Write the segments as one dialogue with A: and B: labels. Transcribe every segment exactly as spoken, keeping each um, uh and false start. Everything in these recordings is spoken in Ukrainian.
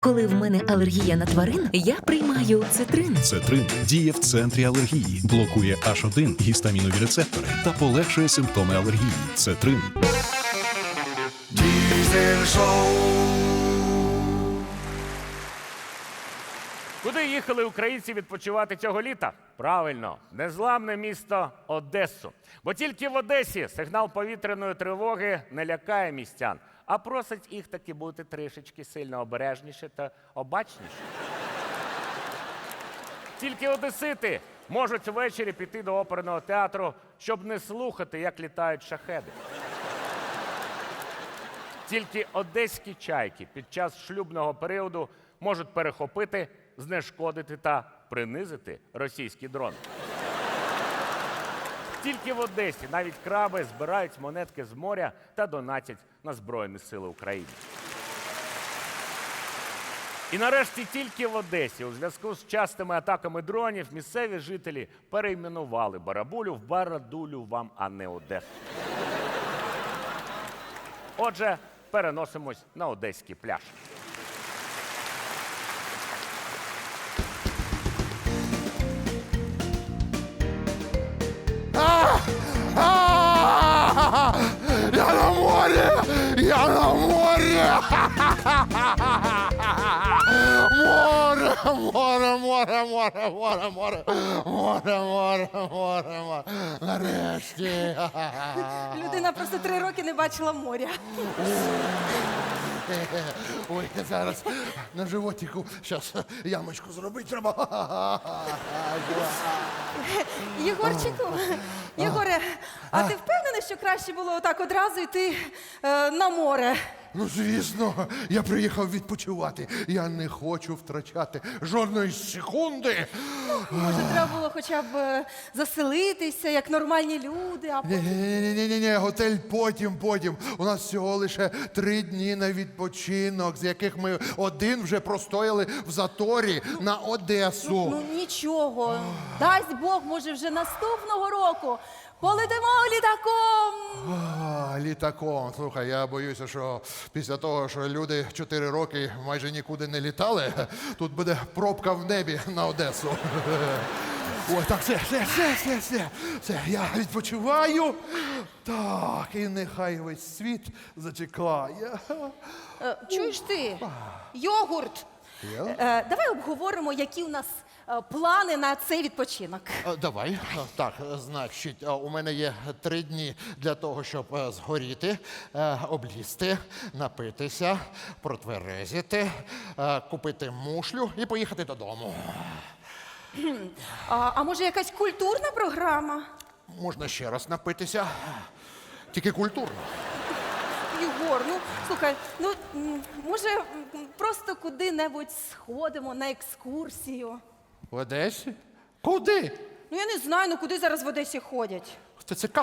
A: Коли в мене алергія на тварин, я приймаю цитрин.
B: Цетрин діє в центрі алергії, блокує аш один гістамінові рецептори та полегшує симптоми алергії. Цетрин.
C: Diesel Show.
D: Куди їхали українці відпочивати цього літа? Правильно, незламне місто Одесу. Бо тільки в Одесі сигнал повітряної тривоги не лякає містян, а просить їх таки бути трішечки сильно обережніше та обачніше. Тільки одесити можуть ввечері піти до оперного театру, щоб не слухати, як літають шахеди. Тільки одеські чайки під час шлюбного періоду можуть перехопити, знешкодити та принизити російський дрон. Тільки в Одесі навіть краби збирають монетки з моря та донатять на Збройні Сили України. І нарешті тільки в Одесі у зв'язку з частими атаками дронів місцеві жителі перейменували Барабулю в Барадулю вам, а не Одесу. Отже, переносимось на одеський пляж.
C: Я на морі! Я на морі! Море, море, море, море, море, море, море, море, море, море. Нарешті.
E: Людина просто три роки не бачила моря.
C: Ой, зараз на животику зараз ямочку зробити треба.
E: Єгорчику, Єгоре, а ти впевнений, що краще було отак одразу йти е, на море?
C: Ну, звісно, я приїхав відпочивати. Я не хочу втрачати жодної секунди.
E: Може, треба було хоча б е, заселитися, як нормальні люди, а потім...
C: Ні-ні-ні, готель потім, потім. У нас всього лише три дні на відпочинок, з яких ми один вже простояли в заторі на Одесу.
E: Ну нічого, дасть Бог, може вже наступного року полетимо літаком.
C: А, літаком. Слухай, я боюся, що після того, що люди чотири роки майже нікуди не літали, тут буде пробка в небі на Одесу. Ой, так, все, все, все, все, все, все, я відпочиваю. Так, і нехай весь світ зачекає.
E: Е, чуєш ти, йогурт, е, давай обговоримо, які у нас е, плани на цей відпочинок.
C: А, Давай. А, Так, значить, а, у мене є три дні для того, щоб е, згоріти, е, облізти, напитися, протверезити, е, купити мушлю і поїхати додому.
E: А, а може якась культурна програма?
C: Можна ще раз напитися, тільки культурно.
E: Єгор, ну слухай, ну м, може м, просто куди-небудь сходимо на екскурсію?
C: В Одесі? Куди?
E: Ну я не знаю, ну куди зараз в Одесі ходять?
C: В ТЦК.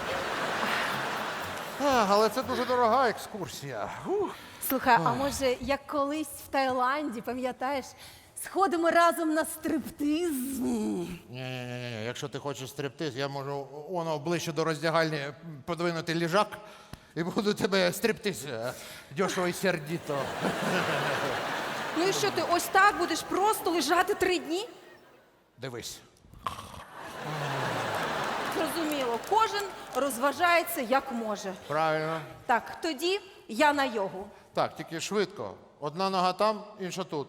C: А, але це дуже дорога екскурсія. Ух.
E: Слухай, а може як колись в Таїланді, пам'ятаєш, сходимо разом на стриптиз?
C: Ні-ні-ні, якщо ти хочеш стриптиз, я можу воно ближче до роздягальні подвинути ліжак і буду тебе стриптиз е, дешево і сердито.
E: Ну і що ти ось так будеш просто лежати три дні?
C: Дивись.
E: Зрозуміло, кожен розважається як може.
C: Правильно.
E: Так, тоді я на йогу.
C: Так, тільки швидко. Одна нога там, інша тут.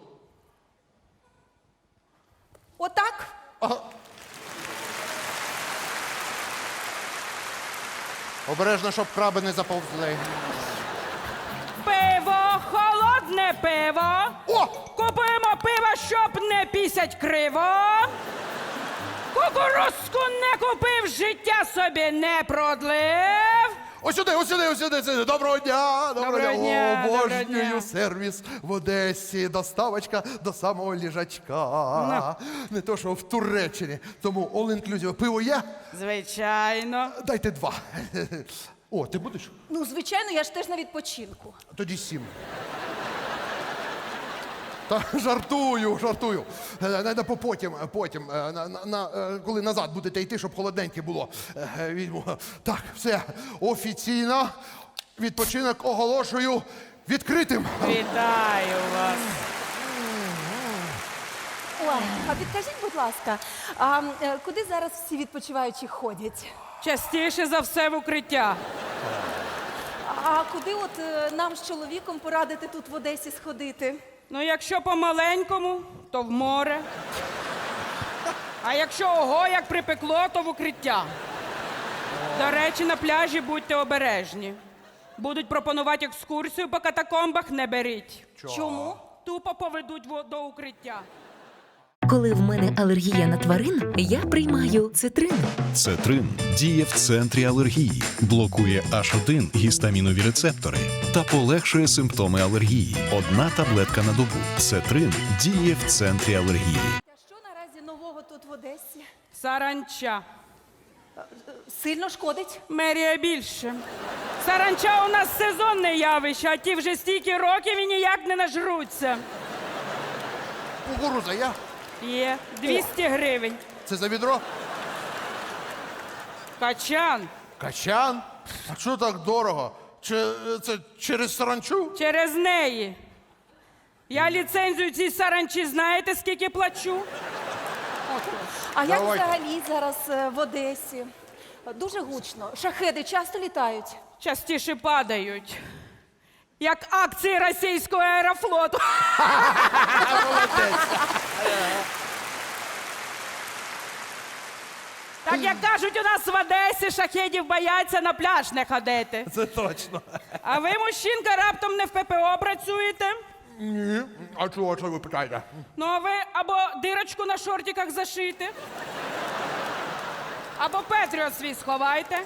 E: Отак?
C: Обережно, щоб краби не заповзли.
F: Пиво, холодне пиво.
C: О!
F: Купуємо пиво, щоб не пісять криво. Кукурузку не купив, життя собі не продлив.
C: Ось сюди, ось сюди, ось сюди, сюди. Доброго дня!
F: Доброго дня, доброго
C: Обожнюю
F: дня.
C: сервіс в Одесі. Доставочка до самого ліжачка. Не то, що в Туреччині. Тому all-inclusive. Пиво є?
F: Звичайно.
C: Дайте два. О, ти будеш?
E: Ну, звичайно, я ж теж на відпочинку.
C: Тоді сім. Та жартую, жартую. Е, не- не по- Потім, потім, е, на, на, на, е, коли назад будете йти, щоб холодненьке було. Е, візьму. Так, все, офіційно відпочинок оголошую відкритим.
F: Вітаю вас.
E: підкажіть, будь ласка, а е, куди зараз всі відпочиваючі ходять?
F: Частіше за все в укриття.
E: А куди от е, нам з чоловіком порадити тут в Одесі сходити?
F: Ну, якщо по-маленькому, то в море. А якщо ого, як припекло, то в укриття. До речі, на пляжі будьте обережні. Будуть пропонувати екскурсію по катакомбах, не беріть.
E: Чому?
F: Тупо поведуть во- до укриття.
A: Коли в мене алергія на тварин, я приймаю цитрин.
B: Цетрин діє в центрі алергії, блокує аш один гістамінові рецептори та полегшує симптоми алергії. Одна таблетка на добу. Цетрин діє в центрі алергії.
E: А що наразі нового тут в Одесі?
F: Саранча.
E: Сильно шкодить?
F: Мерія більше. Саранча у нас сезонне явище, а ті вже стільки років і ніяк не нажруться.
C: Кукуруза, я?
F: Є двісті гривень.
C: Це за відро?
F: Качан.
C: Качан? А що так дорого? Чи е, це через саранчу?
F: Через неї. Я ліцензію цій саранчі знаєте, скільки плачу?
E: А як
C: Давайте.
E: взагалі зараз е, в Одесі? Дуже гучно. Шахеди часто літають?
F: Частіше падають. Як акції російського аерофлоту. Так як кажуть, у нас в Одесі шахедів бояться на пляж не ходити.
C: Це точно.
F: А ви, мужчинка, раптом не в ППО працюєте?
C: Ні. А чого, що ви питаєте?
F: Ну, а ви або дирочку на шортиках зашити, або Петріот свій сховайте.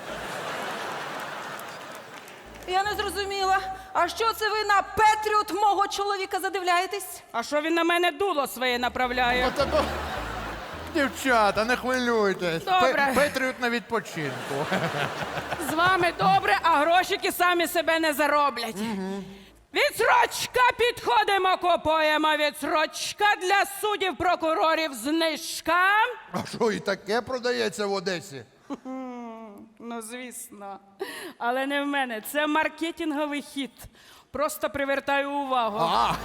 E: Я не зрозуміла. А що це ви на Петріот мого чоловіка задивляєтесь?
F: А що він на мене дуло своє направляє?
C: От або... Дівчата, не хвилюйтесь.
F: Добре.
C: Пе- Петріот на відпочинку.
F: З вами добре, а грошики самі себе не зароблять. Відсрочка підходимо, купуємо відсрочка для суддів, прокурорів знижка.
C: А що, і таке продається в Одесі?
F: Ну, звісно. Але не в мене. Це маркетинговий хід. Просто привертаю увагу.
C: А,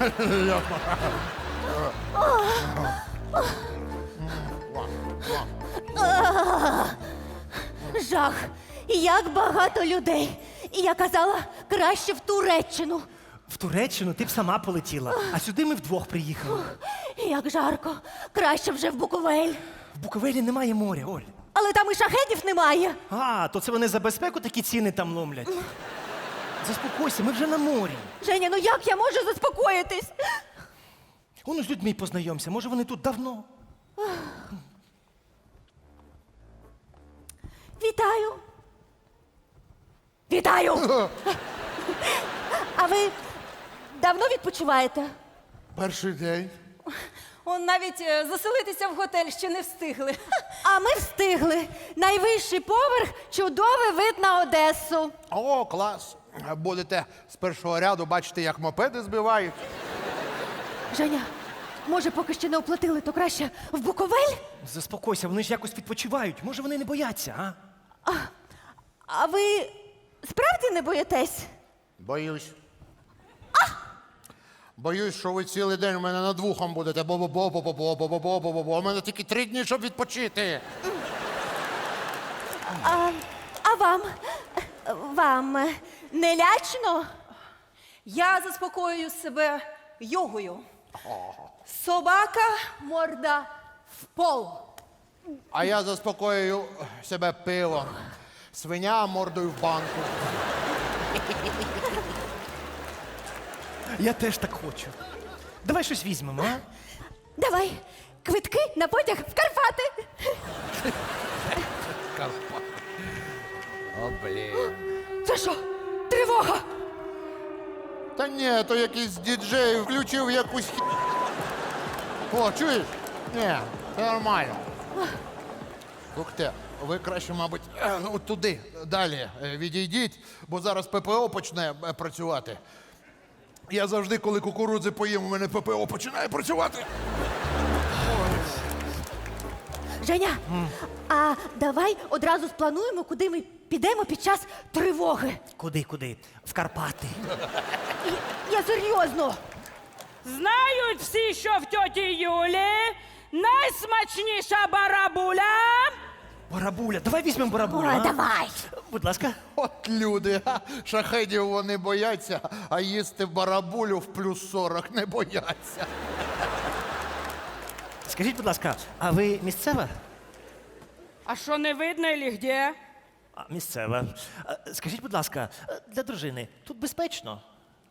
G: Жах! Як багато людей! І я казала, краще в Туреччину.
H: В Туреччину ти б сама полетіла, а сюди ми вдвох приїхали.
G: Як жарко! Краще вже в Буковель.
H: В Буковелі немає моря, Оль.
G: Але там і шахедів немає.
H: А, то це вони за безпеку такі ціни там ломлять. Заспокойся, ми вже на морі.
G: Женя, ну як я можу заспокоїтись?
H: Воно з людьми познайомся, може вони тут давно.
G: Вітаю. Вітаю! А ви давно відпочиваєте?
C: перший день.
E: Он навіть е, заселитися в готель ще не встигли.
G: А ми встигли. Найвищий поверх, чудовий вид на Одесу.
C: О, клас. Будете з першого ряду бачити, як мопеди збивають.
G: Женя, може, поки ще не оплатили, то краще в Буковель?
H: Заспокойся, вони ж якось відпочивають. Може вони не бояться, а?
G: А ви справді не боїтесь?
C: Боюсь. Боюсь, що ви цілий день у мене над вухом будете. Бо-бо-бо-бо-бо-бо-бо-бо-бо-бо. У мене тільки три дні, щоб відпочити.
G: А, а вам? Вам не лячно?
E: Я заспокоюю себе йогою. Собака, морда в пол.
C: А я заспокоюю себе пивом. Свиня мордою в банку.
H: Я теж так хочу. Давай щось візьмемо, а?
G: Давай, квитки на потяг в Карпати.
C: О, блін.
G: Це що? Тривога!
C: Та ні, то якийсь діджей включив якусь хі... О, чуєш? Ні, це нормально. Слухайте, ви краще, мабуть, е, от туди, далі е, відійдіть, бо зараз ППО почне е, працювати. Я завжди, коли кукурудзи поїм, у мене ППО починає працювати.
G: Женя, а давай одразу сплануємо, куди ми підемо під час тривоги.
H: Куди, куди? В Карпати.
G: І- Я серйозно.
F: Знають всі, що в тьоті Юлі найсмачніша барабуля.
H: Барабуля, давай візьмемо барабулю.
G: Ой,
H: а?
G: давай.
H: Будь ласка.
C: От люди, а, шахедів вони бояться, а їсти барабулю в плюс сорок не бояться.
H: Скажіть, будь ласка, а ви місцева?
F: А що не видно или где?
H: А, місцева. А, скажіть, будь ласка, для дружини тут безпечно?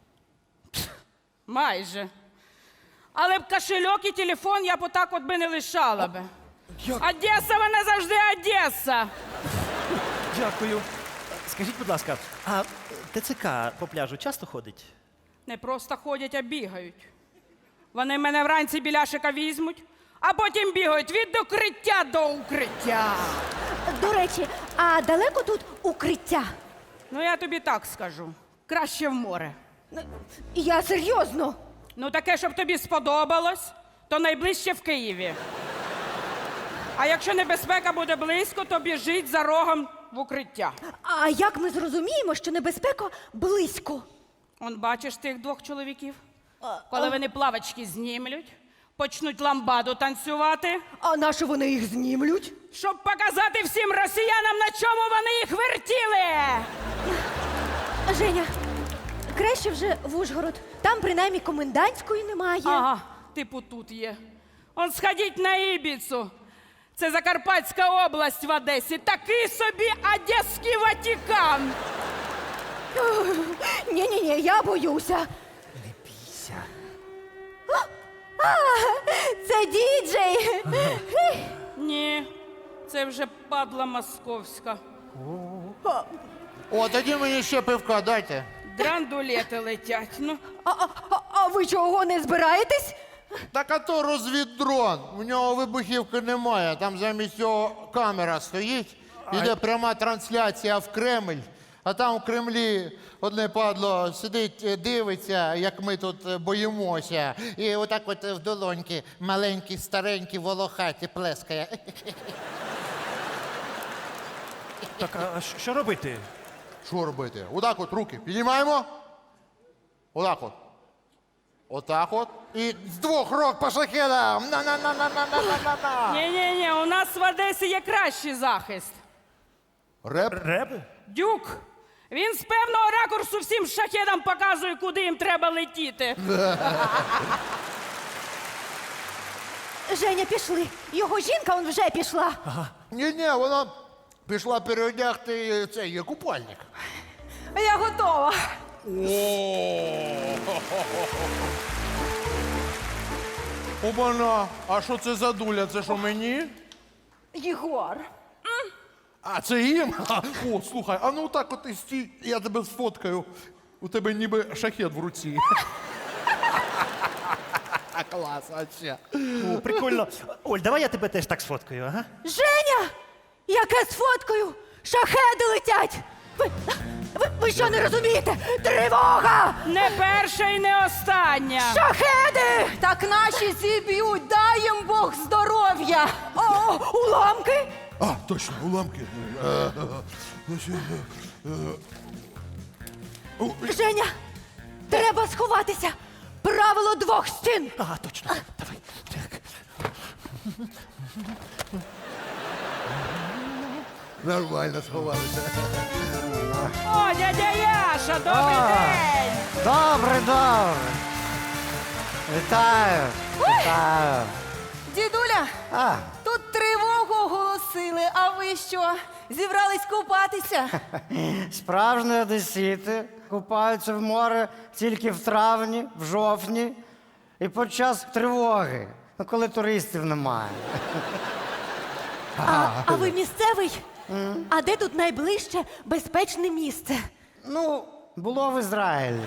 F: Майже. Але б кошельок і телефон я б отак от би не лишала би. Одеса, вона завжди Одеса.
H: Дякую. Скажіть, будь ласка, а ТЦК по пляжу часто ходить?
F: Не просто ходять, а бігають. Вони мене вранці біляшика візьмуть, а потім бігають від укриття до укриття.
G: До речі, а далеко тут укриття?
F: Ну, я тобі так скажу. Краще в море.
G: Я серйозно.
F: Ну, таке, щоб тобі сподобалось, то найближче в Києві. А якщо небезпека буде близько, то біжить за рогом в укриття.
G: А як ми зрозуміємо, що небезпека близько?
F: Он бачиш тих двох чоловіків? Коли вони плавочки знімлють, почнуть ламбаду танцювати,
G: А на що вони їх знімлють?
F: щоб показати всім росіянам, на чому вони їх вертіли.
G: Женя, краще вже в Ужгород. Там принаймні комендантської немає.
F: Ага, типу тут є. Он сходіть на Ібіцу. Це Закарпатська область в Одесі. Такий собі Одеський Ватикан.
G: Ні-ні-ні, я боюся.
H: Не бійся.
G: А, це діджей.
F: Ні, це вже падла московська.
C: О, тоді мені ще пивка дайте.
F: Драндулети летять. Ну,
G: А, а, а- а ви чого не збираєтесь?
C: Так а то розвіддрон. У нього вибухівки немає. Там замість цього камера стоїть. Іде пряма трансляція в Кремль. А там в Кремлі одне падло сидить, е, дивиться, як ми тут е, боїмося. І отак от е, в долоньки маленькі, старенькі, волохаті плескає.
H: Так, а що- що робити?
C: Що робити? Отак от руки піднімаємо. Отак от. Отак от. І з двох рук по шахедам. На-на-на-на-на-на-на-на.
F: ні-ні-ні, у нас в Одесі є кращий захист.
C: Реп.
H: Реби?
F: Дюк. Він з певного ракурсу всім шахедам показує, куди їм треба летіти.
G: Женя, пішли. Його жінка он вже пішла.
C: Ні-ні, вона пішла переодягти цей купальник.
E: Я готова.
C: Обана, а що це за дуля? Це що мені?
E: Єгор.
C: А, це їм? А, о, слухай, а ну так от і стій, я тебе сфоткаю. У тебе ніби шахет в руці. Клас, а ще.
H: О, прикольно. Оль, давай я тебе теж так сфоткаю, ага?
G: Женя! Яке з фоткою? Шахеди летять! Ви, ви, ви що не розумієте? Тривога!
F: Не перша і не остання.
G: Шахеди!
E: Так наші зіб'ють, дай їм Бог здоров'я.
G: О, уламки!
C: А, точно, уламки. Е,
G: Женя, треба сховатися! Правило двох стін!
H: Ага, точно. Давай. Так.
C: Нормально сховалися.
F: О, дядя Яша, добрий день!
I: Добре, добре. Вітаю. Вітаю.
E: Дідуля,
I: А,
E: тут тривогу оголосили, а ви що? Зібрались купатися?
I: справжні одесіти купаються в море тільки в травні, в жовтні і під час тривоги, ну, коли туристів немає.
G: А, а ви місцевий? А де тут найближче безпечне місце?
I: Ну, було в Ізраїлі.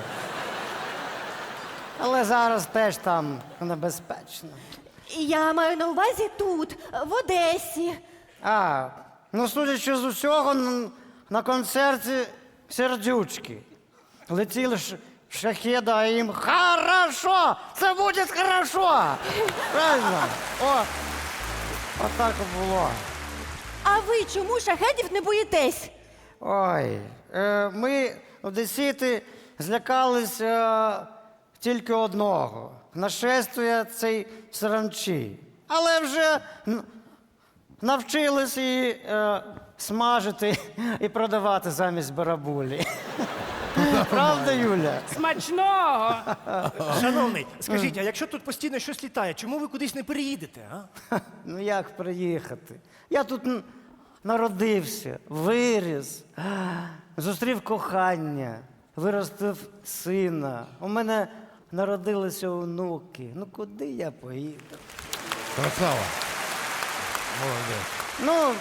I: Але зараз теж там небезпечно.
G: Я маю на увазі тут, в Одесі.
I: А, ну, судячи з усього, н- на концерті сердючки. Летіли ш- шахеди, а їм хорошо! Це буде хорошо! Правильно? О, отак і було.
G: А ви чому шахедів не боїтесь?
I: Ой, е, ми, одесіти, злякались е, тільки одного. Нашествує цей саранчі. але вже н- навчились її е, смажити і продавати замість барабулі. Правда, Юля?
F: Смачного!
H: Шановний, скажіть, а якщо тут постійно щось літає, чому ви кудись не переїдете, а?
I: Ну як приїхати? Я тут н- народився, виріс, зустрів кохання, виростив сина. У мене народилися онуки. Ну куди я поїду?
C: Красава. Молодець.
I: Ну,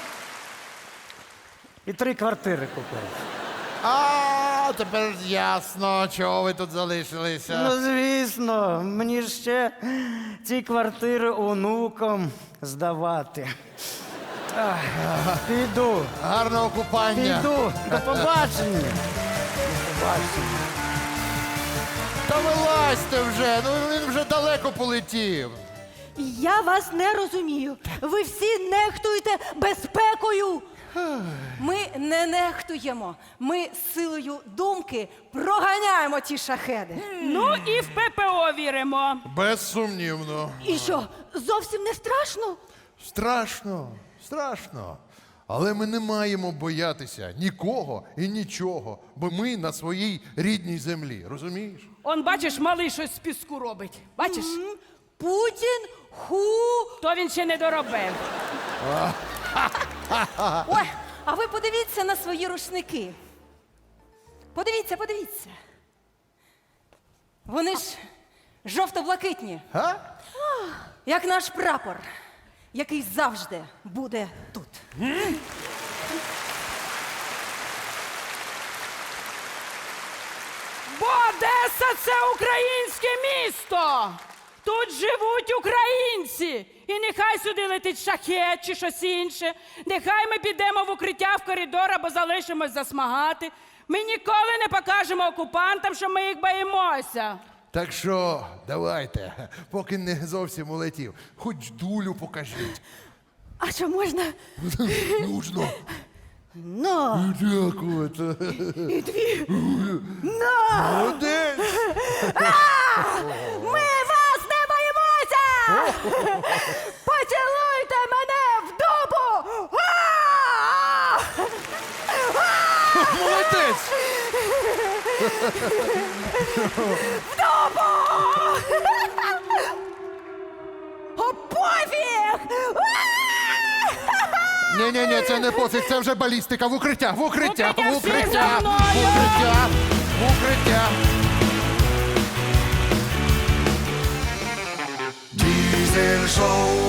I: і три квартири купив.
C: А, тепер ясно, чого ви тут залишилися.
I: Ну, звісно, мені ж ще ці квартири онукам здавати. Ах, піду,
C: Гарного купання.
I: піду. До побачення. До побачення.
C: Та вилазьте вже, ну він вже далеко полетів.
G: Я вас не розумію. Ви всі нехтуєте безпекою.
E: Ми не нехтуємо. Ми силою думки проганяємо ті шахеди.
F: Ну і в ППО віримо.
C: Безсумнівно.
G: І що, зовсім не страшно?
C: Страшно, страшно. Але ми не маємо боятися нікого і нічого, бо ми на своїй рідній землі, розумієш?
F: Он, бачиш, малий щось з піску робить. Бачиш?
G: Путін ху.
F: То він ще не доробив.
E: Ой, а ви подивіться на свої рушники. Подивіться, подивіться. Вони ж жовто-блакитні,
C: А?
E: як наш прапор, який завжди буде тут.
F: Бо Одеса – це українське місто. Тут живуть українці. І нехай сюди летить шахет чи щось інше. Нехай ми підемо в укриття в коридор або залишимось засмагати. Ми ніколи не покажемо окупантам, що ми їх боїмося.
C: Так що давайте, поки не зовсім улетів, хоч дулю покажіть.
G: А що можна?
C: Нужно.
G: На.
C: Дякувати.
G: І дві. На.
C: Молодець.
G: Ми вас не боїмося! Поцілуйте мене в дупу! А!
C: Молодець.
G: О, пофіг!
C: Ні-ні-ні, це не пофіг, це вже балістика. В укриття, в укриття,
F: Укриття,
C: в
F: всі
C: укриття,
F: за
C: в
F: мною!
C: укриття, в укриття.
J: Diesel Show.